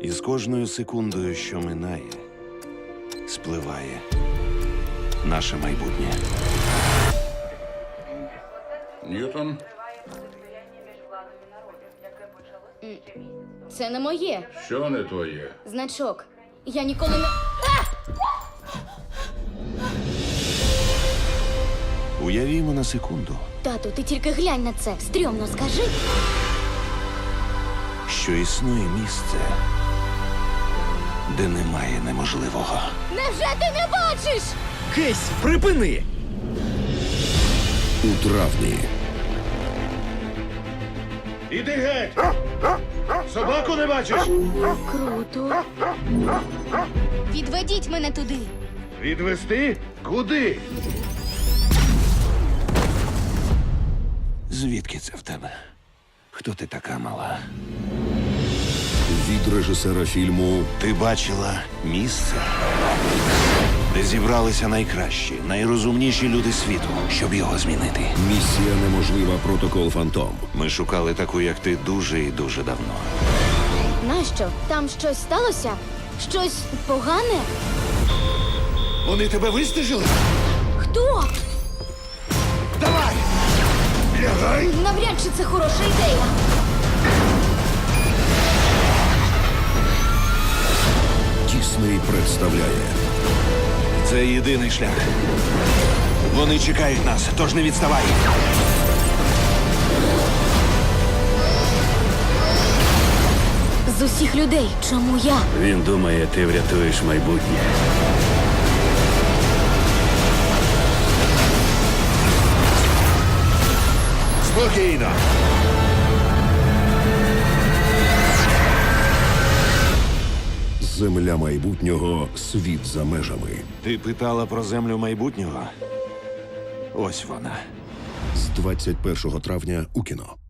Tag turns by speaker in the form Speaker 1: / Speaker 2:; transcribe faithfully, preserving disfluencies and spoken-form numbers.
Speaker 1: І з кожною секундою, що минає, спливає наше майбутнє.
Speaker 2: Ньютон,
Speaker 3: Це не моє.
Speaker 2: що не твоє?
Speaker 3: Значок. Я ніколи не.
Speaker 1: Уявімо на секунду,
Speaker 3: Тату, ти тільки глянь на це. Стрьомно скажи.
Speaker 1: що існує місце, де немає неможливого.
Speaker 3: Невже ти не бачиш?
Speaker 4: Кейсі, припини!
Speaker 5: У травні
Speaker 6: Іди геть! Собаку не бачиш?
Speaker 3: Круто. Відведіть мене туди.
Speaker 6: Відвести? Куди?
Speaker 1: Звідки це в тебе? Хто ти така мала?
Speaker 5: від режисера фільму
Speaker 1: Ти бачила місце, де зібралися найкращі, найрозумніші люди світу, щоб його змінити.
Speaker 5: Місія неможлива. Протокол Фантом.
Speaker 1: Ми шукали таку, як ти, дуже і дуже давно.
Speaker 3: Нащо? Там щось сталося? Щось погане?
Speaker 6: Вони тебе вистежили?
Speaker 3: Хто?
Speaker 6: Давай! Лягай!
Speaker 3: Навряд чи це хороша ідея.
Speaker 5: Дісней представляє
Speaker 1: Це єдиний шлях. Вони чекають нас, тож не відставай.
Speaker 3: З усіх людей, чому я?
Speaker 4: Він думає, ти врятуєш майбутнє.
Speaker 6: Спокійно!
Speaker 5: Земля майбутнього. Світ за межами.
Speaker 1: Ти питала про землю майбутнього? Ось вона.
Speaker 5: З двадцять першого травня у кіно.